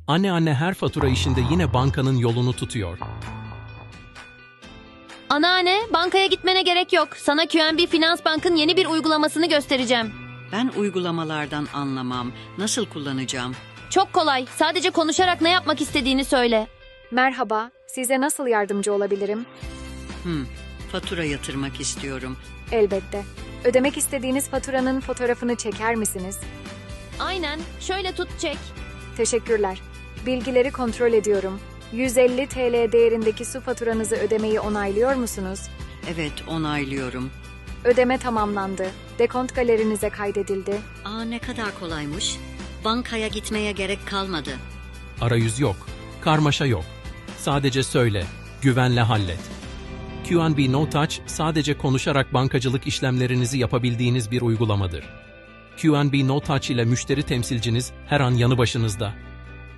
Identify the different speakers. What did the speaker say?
Speaker 1: Anne her fatura işinde yine bankanın yolunu tutuyor.
Speaker 2: Anneanne, bankaya gitmene gerek yok. Sana QNB Finans Bank'ın yeni bir uygulamasını göstereceğim.
Speaker 3: Ben uygulamalardan anlamam. Nasıl kullanacağım?
Speaker 2: Çok kolay. Sadece konuşarak ne yapmak istediğini söyle.
Speaker 4: Merhaba, size nasıl yardımcı olabilirim?
Speaker 3: Fatura yatırmak istiyorum.
Speaker 4: Elbette. Ödemek istediğiniz faturanın fotoğrafını çeker misiniz?
Speaker 2: Aynen. Şöyle tut, çek.
Speaker 4: Teşekkürler. Bilgileri kontrol ediyorum. 150 TL değerindeki su faturanızı ödemeyi onaylıyor musunuz?
Speaker 3: Evet, onaylıyorum.
Speaker 4: Ödeme tamamlandı. Dekont galerinize kaydedildi.
Speaker 3: Ne kadar kolaymış. Bankaya gitmeye gerek kalmadı.
Speaker 1: Arayüz yok, karmaşa yok. Sadece söyle, güvenle hallet. QNB No Touch sadece konuşarak bankacılık işlemlerinizi yapabildiğiniz bir uygulamadır. QNB No Touch ile müşteri temsilciniz her an yanı başınızda.